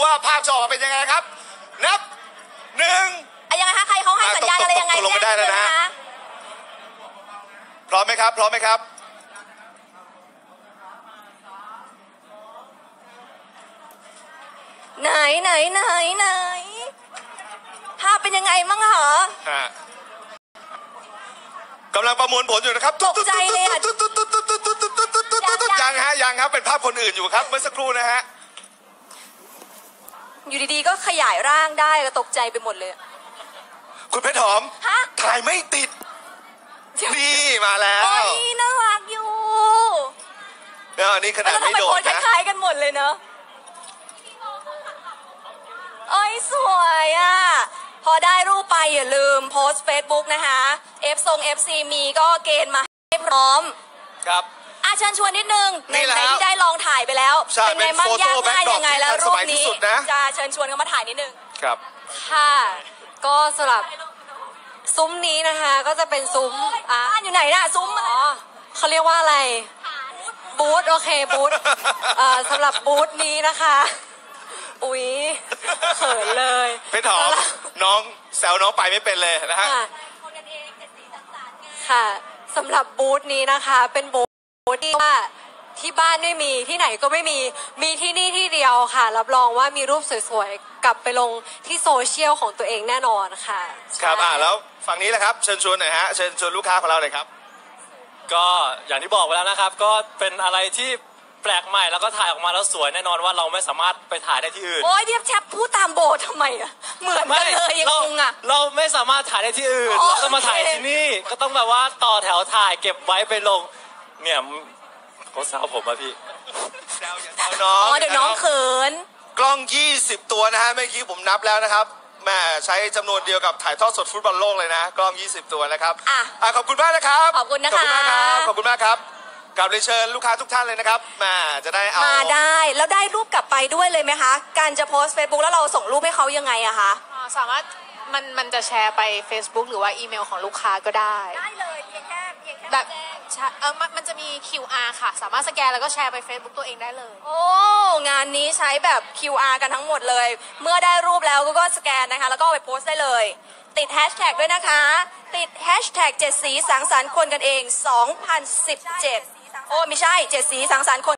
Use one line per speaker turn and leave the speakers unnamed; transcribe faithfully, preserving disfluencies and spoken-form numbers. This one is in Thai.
ว่าภาพจะออกมาเป็นยังไงครับนับหนึ่ง
ยังไงคะใครเขาให้สัญญาณอะไรยังไง
ลงมาได้แล้วนะพร้อมไหมครับพร้อมไหมครับ
ไหนไหนไหนไหนภาพเป็นยังไงมั่งเหร
อกำลังประมวลผลอยู่นะครับ
ตกใจเลยอ่ะ
ยังฮะยังครับเป็นภาพคนอื่นอยู่ครับเมื่อสักครู่นะฮะ
อยู่ดีๆก็ขยายร่างได้ก็ตกใจไปหมดเลย
คุณเพชรหอมถ่ายไม่ติดนี่มาแล้ว
โอ้ยน่ารักอยู่
เนี่ยนี่ขนาดไม่โดดนะ
คล้ายๆกันหมดเลยเนอะโอ้ยสวยอ่ะพอได้รูปไปอย่าลืมโพสต์เฟซบุ๊กนะคะเอฟทรงเอฟซีมีก็เกณฑ์มาให้พร้อม
ครับ
อาเชิญชวนนิดนึงในไหนที่ได้ลองถ่ายไปแล้วเป็นไงบ้างยากง่ายยังไงแล้วรูปนี้จะเชิญชวนกันมาถ่ายนิดนึง
ครับ
ค่ะก็สำหรับซุ้มนี้นะคะก็จะเป็นซุ้ม
อ่ะอยู่ไหนน่ะซุ้ม
อ๋อเขาเรียกว่าอะไรบูธโอเคบูธเอ่อสำหรับบูธนี้นะคะอุ๊ยเขินเลย
เพชรหอมน้องแซวน้องไปไม่เป็นเลยนะฮะ
ค่ะสำหรับบูธนี้นะคะเป็นบูธที่ว่าที่บ้านไม่มีที่ไหนก็ไม่มีมีที่นี่ที่เดียวค่ะรับรองว่ามีรูปสวยๆกลับไปลงที่โซเชียลของตัวเองแน่นอนค่ะ
ครับอ่าแล้วฝั่งนี้แหละครับเชิญชวนหน่อยฮะเชิญชวนลูกค้าของเราเลยครับ
ก็อย่างที่บอกไปแล้วนะครับก็เป็นอะไรที่แปลกใหม่แล้วก็ถ่ายออกมาแล้วสวยแน่นอนว่าเราไม่สามารถไปถ่ายได้ที่อื่น
โอ้ยเดียบแชปพูดตามโบทำไมอะเหมือนกันเลยยังงงอะ
เราไม่สามารถถ่ายได้ที่อื่นเราต้องมาถ่ายที่นี่ก็ต้องแบบว่าต่อแถวถ่ายเก็บไว้ไปลงเนี่ยเขาสาวผมอะพี่
แซวอย่าแซวน้อง
อ๋อเดี๋ยวน้องเขิน
กล้องยี่สิบตัวนะฮะเมื่อกี้ผมนับแล้วนะครับแม่ใช้จำนวนเดียวกับถ่ายทอดสดฟุตบอลโลกเลยนะกล้องยี่สิบตัวนะครับอ่ะขอบคุณมากนะครับ
ขอบคุณนะคะ
ขอบคุณมากครับขอบคุณมากครับกลับเลยเชิญลูกค้าทุกท่านเลยนะครับมาจะได้เอา
มาได้แล้วได้รูปกลับไปด้วยเลยไหมคะการจะโพสต์เฟซบุ๊กแล้วเราส่งรูปให้เขายังไงอะคะ
สามารถมันมันจะแชร์ไป Facebook หรือว่าอีเมลของลูกค้าก็ได้
ได้เลยเพียงแค่เพียงแค่
แบบเออมันจะมี คิว อาร์ ค่ะสามารถสแกนแล้วก็แชร์ไป Facebook ตัวเองได้เลย
โอ้งานนี้ใช้แบบ คิว อาร์ กันทั้งหมดเลยเมื่อได้รูปแล้วก็สแกนนะคะแล้วก็ไปโพสต์ได้เลยติดแฮชแท็กด้วยนะคะติดแฮชแท็กเจ็ดสีสังสรรค์คนกันเองสองพันสิบเจ็ดโอ้ไม่ใช่เจ็ดสีสังสรรค์คน